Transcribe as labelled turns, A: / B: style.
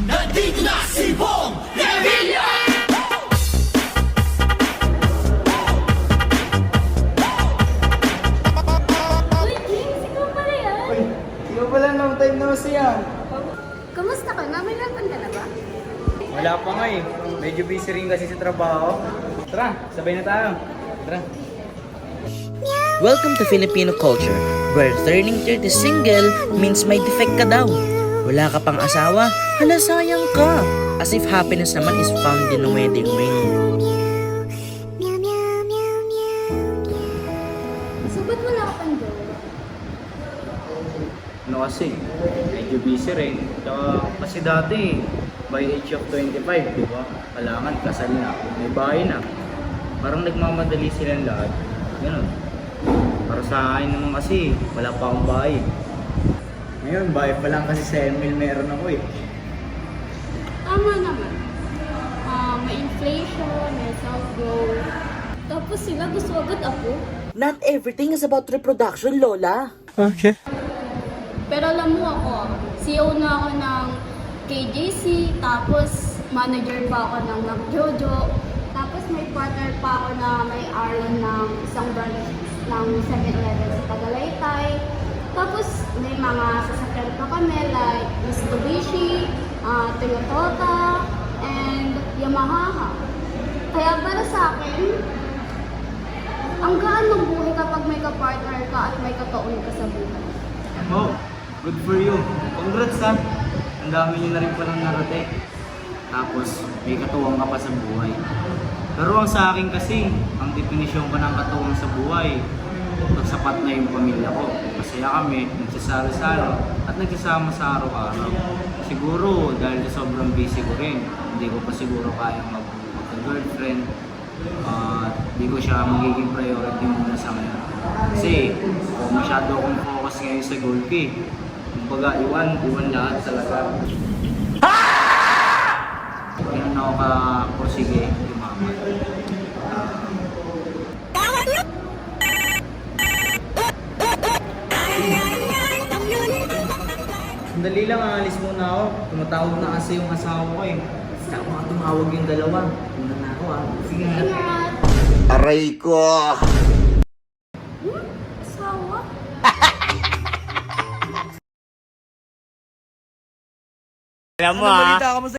A: Nandito na si Bong Revilla!
B: Uy, James, ikaw pala yan.
C: Uy, ikaw pala, long time no see ah.
B: Kamusta ka na? May laban ka na ba?
C: Wala pa nga eh. Medyo busy rin kasi sa trabaho. Tara, sabay na tayo. Tara.
D: Welcome to Filipino culture, where turning 30 single means may defect ka daw. Wala ka pang asawa, hala sayang ka. As if happiness naman is found in a wedding ring.
B: So, ba't wala ka pang girl?
C: Ano kasi, medyo busy rin. Tsaka, kasi dati, by age of 25, di ba? Kailangan kasal na, may bahay na. Parang nagmamadali silang lahat. Ganun. Para sa akin naman kasi, wala pa akong bahay. Ngayon, bahay pa lang kasi sa Emil meron ako eh.
B: Tama naman. May inflation, may self-growth. Tapos sila gusto agad ako.
D: Not everything is about reproduction, Lola.
B: Pero alam mo ako, CEO na ako ng KJC, tapos manager pa ako ng McJojo, tapos may partner pa ako na may-ari ng isang branch ng 7-Eleven sa Tagalaytay. Tapos may mga sasakyan pa kami like Mitsubishi, Toyota, and Yamaha. Kaya para sa akin, ang gaan ng buhay kapag may kapartner ka at may kataon ka sa buhay.
C: Oh, good for you. Congrats ha. Ang dami nyo na rin palang narating. Tapos, may katuwang ka pa sa buhay. Pero ang sa akin kasi, ang definisyon ko ng katuwang sa buhay, sapat na yung pamilya ko. Masaya kami, nagsasalo-salo, at nagsasama sa araw-araw. Siguro, dahil sa sobrang busy ko rin, hindi ko pa siguro kayang magka-girlfriend. Hindi ko siya magiging priority muna sa ngayon. Kasi, masyado akong focus ngayon sa goal ko eh. Kumbaga, iwan lahat talaga. Ganun ako ka-porsige, yumaman. Sandali lang, aalis muna ako. Tumatawag na kasi yung asawa ko eh. Saka mga tumawag yung dalawa. Una na ako ah. Sige nga.
B: Ingat!
A: Aray ko!
B: Asawa?
A: Alam mo ah.